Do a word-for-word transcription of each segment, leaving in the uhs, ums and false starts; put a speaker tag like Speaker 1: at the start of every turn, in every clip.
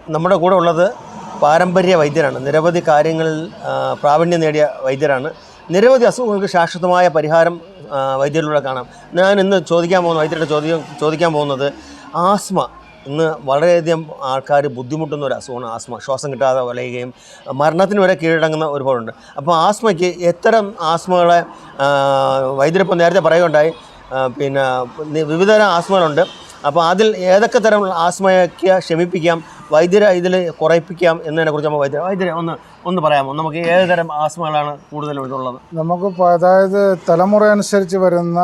Speaker 1: നമ്മുടെ കൂടെ ഉള്ളത് പാരമ്പര്യ വൈദ്യരാണ്. നിരവധി കാര്യങ്ങളിൽ പ്രാവീണ്യം നേടിയ വൈദ്യരാണ്. നിരവധി അസുഖങ്ങൾക്ക് ശാശ്വതമായ പരിഹാരം വൈദ്യരിലൂടെ കാണാം. ഞാൻ ഇന്ന് ചോദിക്കാൻ പോകുന്ന വൈദ്യരുടെ ചോദ്യം ചോദിക്കാൻ പോകുന്നത് ആസ്മ. ഇന്ന് വളരെയധികം ആൾക്കാർ ബുദ്ധിമുട്ടുന്ന ഒരു അസുഖമാണ് ആസ്മ. ശ്വാസം കിട്ടാതെ വലയുകയും മരണത്തിന് വരെ കീഴടങ്ങുന്ന ഒരുപാടുണ്ട്. അപ്പോൾ ആസ്മയ്ക്ക് എത്തരം ആസ്മകളെ വൈദ്യരിപ്പോൾ നേരത്തെ പറയുകയുണ്ടായി. പിന്നെ വിവിധതരം ആസ്മകളുണ്ട്. അപ്പോൾ അതിൽ ഏതൊക്കെ തരം ആസ്മയൊക്കെ ശമിപ്പിക്കാം, വൈദ്യരെ ഇതിൽ കുറയിപ്പിക്കാം എന്നതിനെക്കുറിച്ച് നമ്മൾ വൈദ്യ വൈദ്യരെ ഒന്ന് ഒന്ന് പറയാമോ? നമുക്ക് ഏത് തരം ആസ്മകളാണ് കൂടുതലും ഇതുള്ളത്?
Speaker 2: നമുക്ക് അതായത് തലമുറ അനുസരിച്ച് വരുന്ന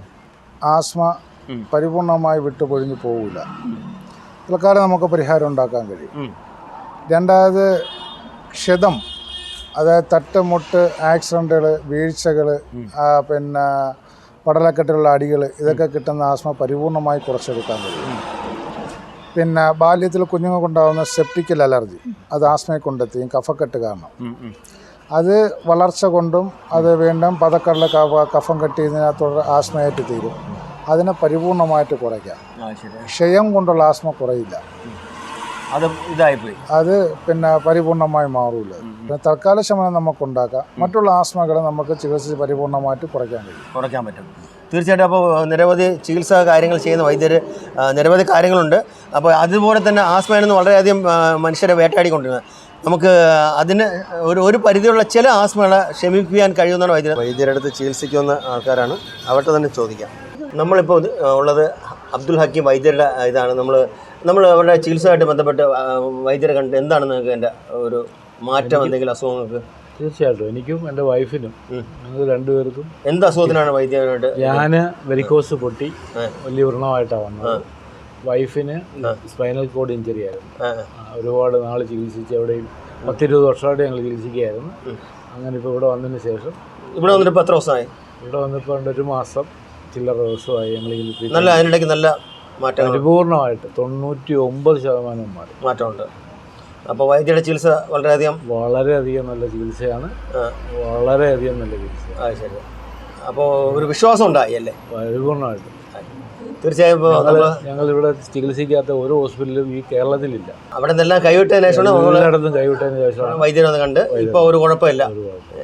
Speaker 2: ആസ്മ പരിപൂർണമായി വിട്ടുപൊഴിഞ്ഞു പോകില്ല. തൽക്കാലം നമുക്ക് പരിഹാരം ഉണ്ടാക്കാൻ കഴിയും. രണ്ടാമത് ക്ഷതം, അതായത് തട്ടുമുട്ട്, ആക്സിഡൻറ്റുകൾ, വീഴ്ചകൾ, പിന്നെ പടലക്കെട്ടുള്ള അടികൾ, ഇതൊക്കെ കിട്ടുന്ന ആസ്മ പരിപൂർണമായി കുറച്ചെടുക്കാൻ കഴിയും. പിന്നെ ബാല്യത്തിൽ കുഞ്ഞുങ്ങൾക്കുണ്ടാകുന്ന സെപ്റ്റിക്കൽ അലർജി, അത് ആസ്മയെ കൊണ്ടെത്തിയും കഫക്കെട്ട് കാരണം. അത് വളർച്ച കൊണ്ടും അത് വീണ്ടും പതക്കടല കഫം കെട്ടിയതിനകത്തോടെ ആസ്മയായിട്ട് തീരും. അതിനെ പരിപൂർണമായിട്ട് കുറയ്ക്കാം. ക്ഷയം കൊണ്ടുള്ള ആസ്മ കുറയില്ല,
Speaker 1: അത് ഇതായിപ്പോയി,
Speaker 2: അത് പിന്നെ പരിപൂർണമായി മാറില്ല. പിന്നെ തൽക്കാല ശമനം നമുക്കുണ്ടാക്കാം. മറ്റുള്ള ആസ്മകളെ നമുക്ക് ചികിത്സിച്ച് പരിപൂർണമായിട്ട് കുറയ്ക്കാൻ കഴിയും
Speaker 1: കുറയ്ക്കാൻ പറ്റും തീർച്ചയായിട്ടും. അപ്പോൾ നിരവധി ചികിത്സാ കാര്യങ്ങൾ ചെയ്യുന്ന വൈദ്യർ നിരവധി കാര്യങ്ങളുണ്ട്. അപ്പോൾ അതുപോലെ തന്നെ ആസ്മയാണെന്ന് വളരെയധികം മനുഷ്യരെ വേട്ടയാടിക്കൊണ്ടിരുന്നത്. നമുക്ക് അതിന് ഒരു ഒരു പരിധിയുള്ള ചില ആസ്മകളെ ശമിപ്പിക്കാൻ കഴിയുന്നതാണ് വൈദ്യർ. വൈദ്യരുടെ അടുത്ത് ചികിത്സിക്കുന്ന ആൾക്കാരാണ്, അവരുടെ തന്നെ ചോദിക്കാം. നമ്മളിപ്പോൾ ഉള്ളത് അബ്ദുൽ ഹക്കീം വൈദ്യരുടെ ഇതാണ്. നമ്മൾ നമ്മൾ അവരുടെ ചികിത്സയായിട്ട് ബന്ധപ്പെട്ട് വൈദ്യരെ കണ്ട് എന്താണ് നിങ്ങൾക്ക് എൻ്റെ ഒരു മാറ്റം, എന്തെങ്കിലും അസുഖങ്ങൾക്ക്?
Speaker 3: തീർച്ചയായിട്ടും എനിക്കും എൻ്റെ വൈഫിനും ഞങ്ങൾ രണ്ടുപേർക്കും.
Speaker 1: എന്ത് അസുഖത്തിനാണ് വൈദ്യരായിട്ട്?
Speaker 3: ഞാൻ വെരിക്കോസ് പൊട്ടി വലിയ വ്രണമായിട്ടാണ് വന്നത്. വൈഫിന് സ്പൈനൽ കോഡ് ഇഞ്ചറി ആയിരുന്നു. ഒരുപാട് നാൾ ചികിത്സിച്ച് എവിടെയും പത്തിരുപത് വർഷമായിട്ട് ഞങ്ങൾ ചികിത്സിക്കുകയായിരുന്നു. അങ്ങനെ ഇപ്പോൾ ഇവിടെ വന്നതിന് ശേഷം
Speaker 1: ഇവിടെ വന്നിട്ട് ഇപ്പോൾ എത്ര ദിവസമായി?
Speaker 3: ഇവിടെ വന്നപ്പോൾ ഒരു മാസം ചില്ലറ ദിവസമായി ഞങ്ങൾ
Speaker 1: നല്ല അതിനിടയ്ക്ക് നല്ല മാറ്റം,
Speaker 3: പരിപൂർണമായിട്ട് തൊണ്ണൂറ്റി ഒമ്പത് ശതമാനം മാറി
Speaker 1: മാറ്റമുണ്ട്. അപ്പോൾ വൈദ്യരുടെ ചികിത്സ വളരെയധികം
Speaker 3: വളരെയധികം നല്ല ചികിത്സയാണ്, വളരെയധികം നല്ല ചികിത്സ.
Speaker 1: ആ ശരി. അപ്പോൾ ഒരു വിശ്വാസം ഉണ്ടായി അല്ലേ?
Speaker 3: പരിപൂർണമായിട്ടും
Speaker 1: തീർച്ചയായും.
Speaker 3: ഞങ്ങളിവിടെ ചികിത്സിക്കാത്ത ഒരു ഹോസ്പിറ്റലും ഈ കേരളത്തിലില്ല.
Speaker 1: അവിടെ നിന്നെല്ലാം കൈവിട്ടതിന് ശേഷമാണ്
Speaker 3: എല്ലായിടത്തും കൈവിട്ടതിന് ശേഷമാണ്
Speaker 1: വൈദ്യരൊന്ന് കണ്ട് ഇപ്പോൾ ഒരു കുഴപ്പമില്ല.